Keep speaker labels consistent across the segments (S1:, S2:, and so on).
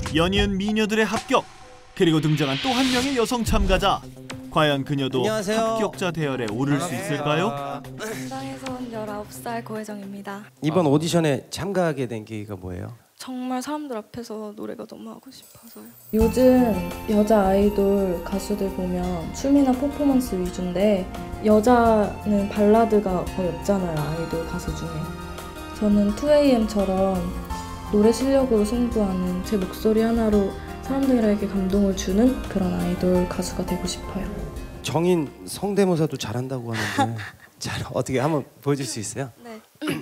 S1: 연이은 미녀들의 합격. 그리고 등장한 또 한 명의 여성 참가자. 과연 그녀도
S2: 안녕하세요.
S1: 합격자 대열에 오를 수 있을까요?
S3: 부산에서 온 19살 고혜정입니다.
S2: 이번 오디션에 참가하게 된 계기가 뭐예요?
S3: 정말 사람들 앞에서 노래가 너무 하고 싶어서요.
S4: 요즘 여자 아이돌 가수들 보면 춤이나 퍼포먼스 위주인데 여자는 발라드가 거의 없잖아요, 아이돌 가수 중에. 저는 2AM처럼 노래 실력으로 승부하는 제 목소리 하나로 사람들에게 감동을 주는 그런 아이돌 가수가 되고 싶어요.
S2: 정인 성대모사도 잘한다고 하는데 잘 어떻게 한번 보여줄 수 있어요?
S3: 네.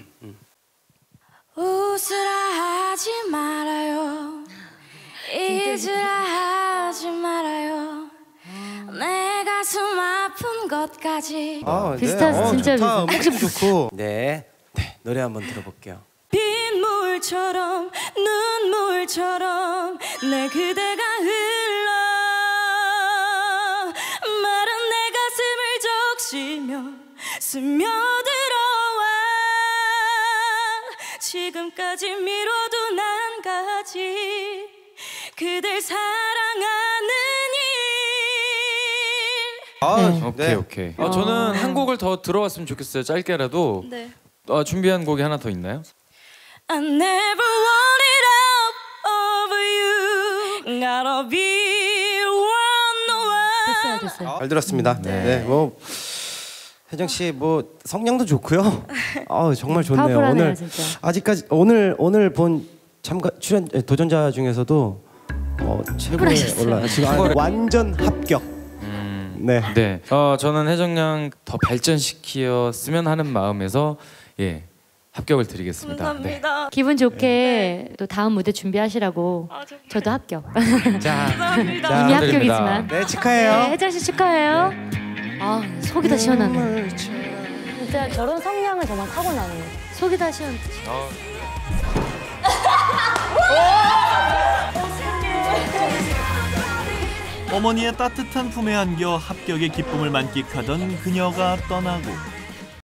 S3: 웃으라 하지 말아요. 잊으라 하지 말아요. 내 가슴 아픈 것까지.
S5: 비슷하죠, 진짜
S2: 좋다.
S5: 비슷해.
S2: 음악도 좋고. 네, 노래 한번 들어볼게요.
S3: 빗물처럼 눈물처럼 내 그대가 흘러 마른 내 가슴을 적시며 스며들어와 지금까지 미뤄둔 한 가지 그댈 사랑하는 일.
S6: 오케이. 저는 한 곡을 더 들어봤으면 좋겠어요. 짧게라도.
S3: 네.
S6: 준비한 곡이 하나 더 있나요?
S3: I never want it all over you. Gotta be one.
S5: 됐어요.
S2: 잘 들었습니다. 네, 뭐 혜정 씨 뭐 성량도 좋고요. 정말 좋네요.
S5: 파워풀하네요,
S2: 오늘
S5: 진짜.
S2: 아직까지 오늘 본 참가 출연 도전자 중에서도 최고에 올라 지금 완전 합격. 네.
S6: 저는 혜정 양 더 발전시켰으면 하는 마음에서 합격을 드리겠습니다.
S3: 감사합니다.
S5: 기분 좋게 또 다음 무대 준비하시라고. 저도 합격.
S3: 감사합니다.
S5: 이미 합격이지만.
S2: 네, 축하해요.
S5: 네, 혜정 씨 축하해요. 속이 다 시원하네. 진짜 저런 성량은 정말 타고나네. 속이 다 시원.
S1: 어머니의 따뜻한 품에 안겨 합격의 기쁨을 만끽하던 그녀가 떠나고